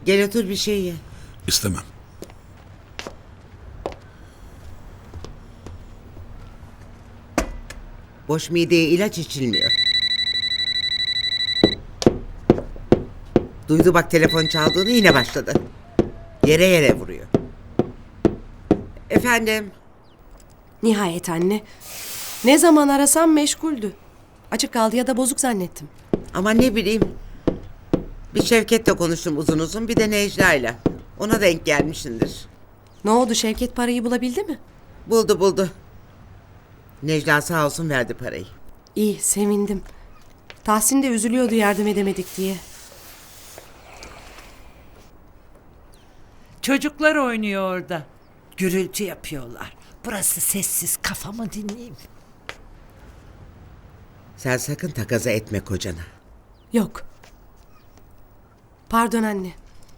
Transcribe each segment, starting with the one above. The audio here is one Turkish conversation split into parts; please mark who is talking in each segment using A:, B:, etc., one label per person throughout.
A: Gel otur bir şey ye.
B: İstemem.
A: Boş mideye ilaç içilmiyor. Duydu bak telefon çaldığını yine başladı. Yere yere vuruyor. Efendim?
C: Nihayet anne. Ne zaman arasam meşguldü. Açık kaldı ya da bozuk zannettim.
A: Ama ne bileyim. Bir Şevket'le konuştum uzun uzun, bir de Necla'yla. Ona denk gelmişsindir.
C: Ne oldu, Şevket parayı bulabildi mi?
A: Buldu. Necla sağ olsun verdi parayı.
C: İyi, sevindim. Tahsin de üzülüyordu yardım edemedik diye.
D: Çocuklar oynuyor orada. Gürültü yapıyorlar. Burası sessiz, kafamı dinleyeyim.
A: Sen sakın takaza etme kocana.
C: Yok. Pardon anne.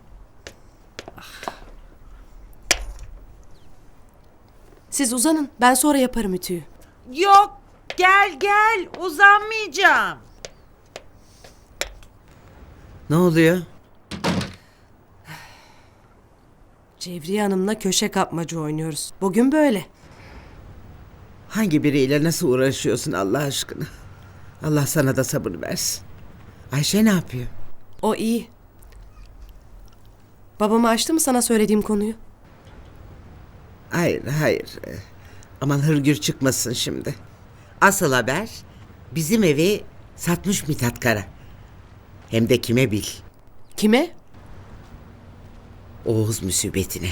C: Siz uzanın, ben sonra yaparım ütüyü.
D: Yok, gel, uzanmayacağım.
A: Ne oluyor?
C: Cevriye Hanım'la köşe kapmaca oynuyoruz. Bugün böyle.
A: Hangi biriyle nasıl uğraşıyorsun Allah aşkına? Allah sana da sabır versin. Ayşe ne yapıyor?
C: O iyi. Babama açtı mı sana söylediğim konuyu?
A: Hayır. Aman hırgür çıkmasın şimdi. Asıl haber bizim evi satmış Mithat Kara. Hem de kime bil?
C: Kime?
A: Oğuz musibetine.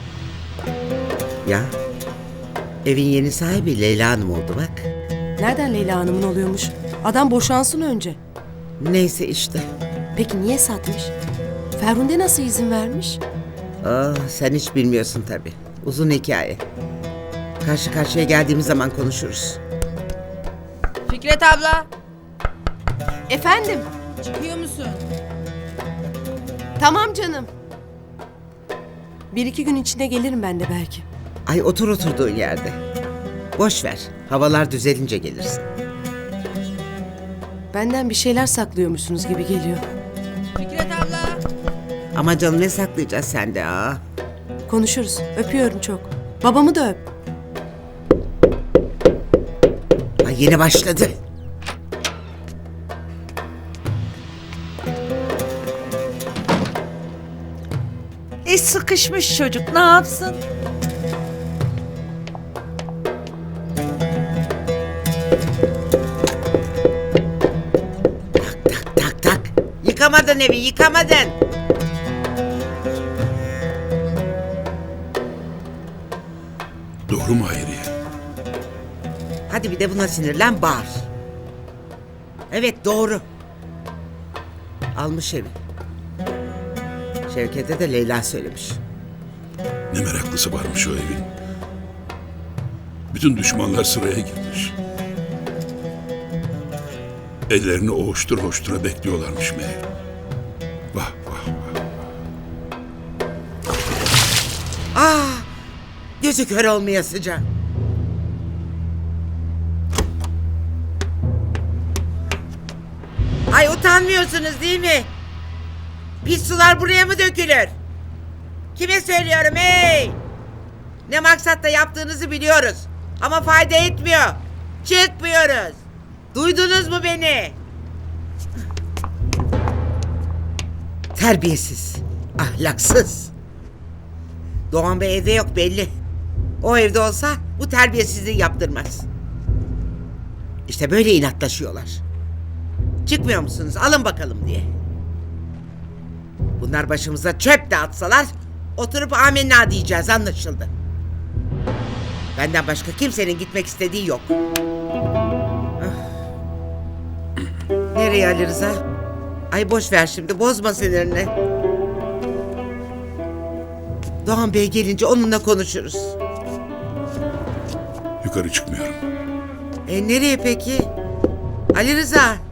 A: Ya evin yeni sahibi Leyla Hanım oldu bak.
C: Nereden Leyla Hanım'ın oluyormuş? Adam boşansın önce.
A: Neyse işte.
C: Peki niye satmış? Ferhunde nasıl izin vermiş?
A: Sen hiç bilmiyorsun tabii. Uzun hikaye. Karşı karşıya geldiğimiz zaman konuşuruz.
E: Fikret abla,
C: Efendim?
E: çıkıyor musun?
C: Tamam canım. Bir iki gün içinde gelirim ben de belki.
A: Ay otur oturduğun yerde. Boş ver. Havalar düzelince gelirsin.
C: Benden bir şeyler saklıyormuşsunuz gibi geliyor.
E: Fikret abla.
A: Ama canım ne saklayacağız sende ha?
C: Konuşuruz. Öpüyorum çok. Babamı da öp.
A: Ay yine başladı.
D: Sıkışmış çocuk, ne yapsın?
A: Tak. Yıkamadın evi, yıkamadın.
B: Doğru mu Hayriye?
A: Hadi bir de buna sinirlen, bağır. Evet doğru. Almış evi. Şevket'e de Leyla söylemiş.
B: Ne meraklısı varmış o evin. Bütün düşmanlar sıraya girmiş. Ellerini hoştura bekliyorlarmış meğer. Vah.
A: Gözü kör olmayasıca. Ay utanmıyorsunuz değil mi? Pis sular buraya mı dökülür? Kime söylüyorum hey? Ne maksatla yaptığınızı biliyoruz. Ama fayda etmiyor. Çıkmıyoruz. Duydunuz mu beni? Terbiyesiz, ahlaksız. Doğan Bey evde yok belli. O evde olsa bu terbiyesizliği yaptırmaz. İşte böyle inatlaşıyorlar. Çıkmıyor musunuz? Alın bakalım diye. Bunlar başımıza çöp de atsalar oturup amenna diyeceğiz, anlaşıldı. Benden başka kimsenin gitmek istediği yok. Ah. Nereye Ali Rıza? Ay boş ver şimdi, bozma sinirini. Doğan Bey gelince onunla konuşuruz.
B: Yukarı çıkmıyorum.
A: Nereye peki? Ali Rıza.